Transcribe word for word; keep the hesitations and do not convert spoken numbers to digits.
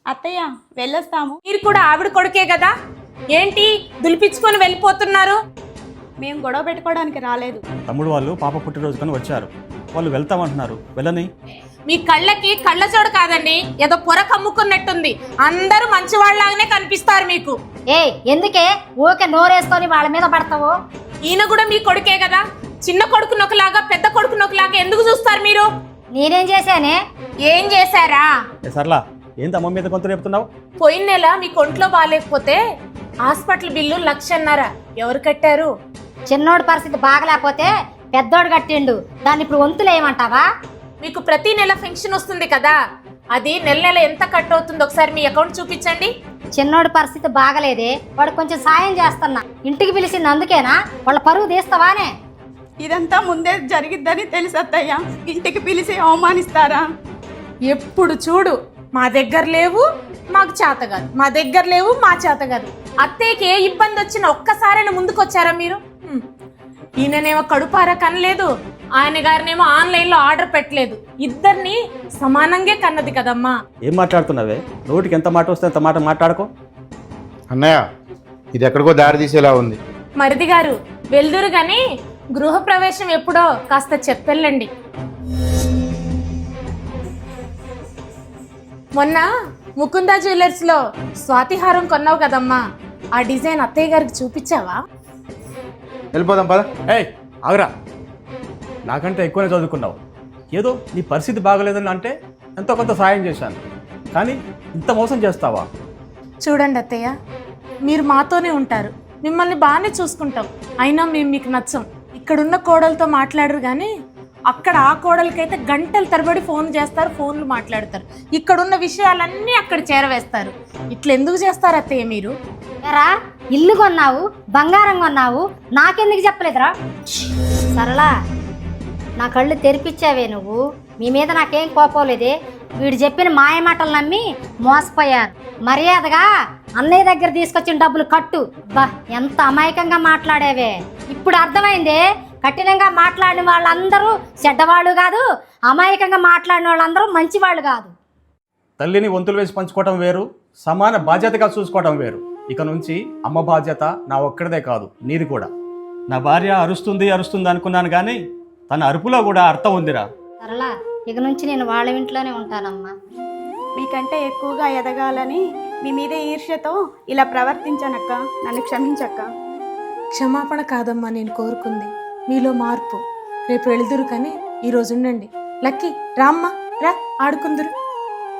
అత్తయ్య వెళ్ళొస్తాము. మీరు కూడా ఆవిడ కొడుకే కదా, ఏంటి దులిపించుకొని వెళ్ళిపోతున్నారు? మేము గొడవ పెట్టుకోవడానికి రాలేదు. తమ్ముడు వాళ్ళు పాప పుట్టినరోజు కానీ వచ్చారు, వాళ్ళు వెళ్తామంటున్నారు, వెళ్ళని. మీ కళ్ళకి కళ్ళ చోడు కాదండి, ఏదో పొర కమ్ముకున్నట్టుంది. అందరూ మంచి వాళ్ళలాగానే కనిపిస్తారు మీకు. ఏ ఎందుకే ఊకే నోరేసుకొని వాళ్ళ మీద పడతావు? ఈయన కూడా మీ కొడుకే కదా, చిన్న కొడుకు నొకలాగా పెద్ద కొడుకు నొకలాగా ఎందుకు చూస్తారు మీరు? నేనేం చేశానే? ఏం చేశారా? సర్లా, ఏంటి అమ్మ మీద కొంత రేపుతున్నావు? పోయిన నెల మీ కొంట్లో బాగాలేకపోతే హాస్పిటల్ బిల్లు లక్షన్నర ఎవరు కట్టారు? చిన్నోడి పరిస్థితి బాగలేకపోతే పెద్దోడు కట్టిండు, దాన్ని ఇప్పుడు వంతులు వేయమంటావా? మీకు ప్రతి నెల పెన్షన్ వస్తుంది కదా, అది నెల నెల ఎంత కట్ అవుతుందో ఒకసారి మీ అకౌంట్ చూపించండి. చిన్నోడి పరిస్థితి బాగలేదే, వాడు కొంచెం సాయం చేస్తున్నా. ఇంటికి పిలిచింది అందుకేనా? వాళ్ళ పరువు తీస్తావానే? ఇదంతా ముందే జరిగిద్దని తెలుసు అత్తయ్య, ఇంటికి పిలిచి అవమానిస్తారా? ఎప్పుడు చూడు మా దగ్గర లేవు, మాకు చేత కాదు, మా దగ్గర లేవు, మా చేత కాదు. అత్తయ్యకి ఏ ఇబ్బంది వచ్చినా ఒక్కసారైనా ముందుకు వచ్చారా మీరు? హ్మ్. ఈయననేమో కడుపారా కనలేదు, ఆయన గారినేమో ఆన్లైన్లో ఆర్డర్ పెట్టలేదు. ఇద్దరిని సమానంగా కన్నది కదమ్మా. ఏం మాట్లాడుతున్నావే? నోటికి ఎంత మాట వస్తే అంత మాట మాట్లాడుకో. అన్నయ్య, ఇది ఎక్కడికో దారి తీసేలా ఉంది. మరిది గారు వెళ్దురు గాని గృహప్రవేశం ఎప్పుడో కాస్త చెప్పెళ్ళండి. మొన్న ముకుందా జ్యువెలర్స్ లో స్వాతిహారం కొన్నావు కదమ్మా, ఆ డిజైన్ అత్తయ్య గారికి చూపించావా? వెళ్ళిపోదాం పద. ఏయ్ ఆగరా, నాకంటే ఎక్కువనే చదువుకున్నావు. ఏదో నీ పరిస్థితి బాగలేదని అంటే ఎంతో కొంత సాయం చేశాను, కానీ ఇంత మోసం చేస్తావా? చూడండి అత్తయ్య, మీరు మాతోనే ఉంటారు, మిమ్మల్ని బాగానే చూసుకుంటాం, అయినా మేము మీకు నచ్చం. ఇక్కడున్న కోడలతో మాట్లాడరు కానీ అక్కడ ఆ కోడలకైతే గంటల తరబడి ఫోన్ చేస్తారు, ఫోన్లు మాట్లాడతారు. ఇక్కడున్న విషయాలన్నీ అక్కడ చేరవేస్తారు. ఇట్లా ఎందుకు చేస్తారు అత్తయ్య మీరు? ఎరా ఇల్లు కొన్నావు, బంగారం కొన్నావు, నాకెందుకు చెప్పలేదురా? సరళా, నా కళ్ళు తెరిపించావే నువ్వు. మీ మీద నాకేం కోపం లేదే, వీడు చెప్పిన మాయ మాటలు నమ్మి మోసపోయారు. మర్యాదగా అన్నయ్య దగ్గర తీసుకొచ్చిన డబ్బులు కట్టు. బా ఎంత అమాయకంగా మాట్లాడేవే. ఇప్పుడు అర్థమైందే, కఠినంగా మాట్లాడిన వాళ్ళందరూ చెడ్డవాళ్ళు కాదు, అమాయకంగా మాట్లాడిన వాళ్ళందరూ మంచివాళ్ళు కాదు. తల్లిని వంతులు వేసి పంచుకోవటం వేరు, సమాన బాధ్యతగా చూసుకోవటం వేరు. ఇక నుంచి అమ్మ బాధ్యత నా ఒక్కడిదే కాదు, నీది కూడా. నా భార్య అరుస్తుంది అరుస్తుంది అనుకున్నాను, కానీ తన అరుపులో కూడా అర్థం ఉందిరా. సరళా, ఇక నుంచి నేను వాళ్ళ ఇంట్లోనే ఉంటానమ్మా. మీకంటే ఎక్కువగా ఎదగాలని మీ మీద ఈర్ష్యతో ఇలా ప్రవర్తించానక్క, నన్ను క్షమించక్క. క్షమాపణ కాదమ్మా నేను కోరుకుంది, మీలో మార్పు. రేపు వెళుదురు కానీ ఈరోజు ఉండండి. లక్కీ రామ్మా, రా ఆడుకుందురు.